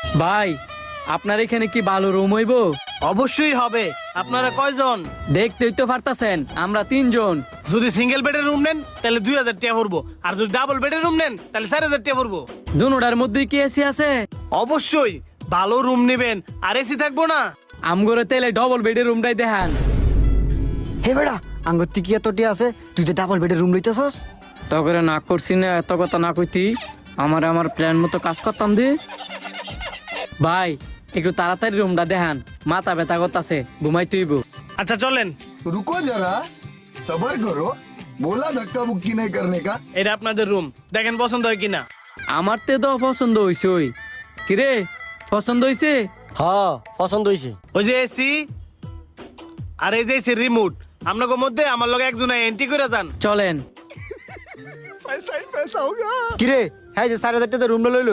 ভাই আপনার এখানে কি ভালো রুম হইব? অবশ্যই হবে। আপনারা কয়জন? দেখতেই তো পারতাছেন আমরা 3 জন। যদি সিঙ্গেল বেডের রুম নেন তাহলে 2000 টাকা পড়বো, আর যদি ডাবল বেডের রুম নেন তাহলে 4000 টাকা পড়বো। দুনোটার মধ্যে কি এসি আছে? অবশ্যই ভালো রুম নেবেন, আর এসি থাকবো না। আমগরে তেলে ডবল বেডের রুমটাই দেখান। হে বেড়া আঙ্গুর কি এতটি আছে, তুই যে ডাবল বেডের রুম লইতেছস? তখন না করছি না, এত কথা না কইতি আমার প্ল্যান মতো কাজ করতাম দি। ভাই একটু তাড়াতাড়ি রুমটা দেখান, মাথা ব্যথা করতাছে, ঘুমাই তুইব। আচ্ছা চলেন। रुको जरा सबर करो, बोला धक्का मुक्की नहीं करने का। এটা আপনাদের রুম, দেখেন পছন্দ হয় কিনা। আমার তে তো পছন্দ হইছে। ওই কিরে পছন্দ হইছে? হ্যাঁ পছন্দ হইছে। ওই যে এসি আর এই যে এসি রিমোট, আপনাকে মধ্যে আমার লগে একজন এন্ট্রি করে যান। চলেন। কিরে হ্যাঁ যে 4000 টাকা রুম লইলো,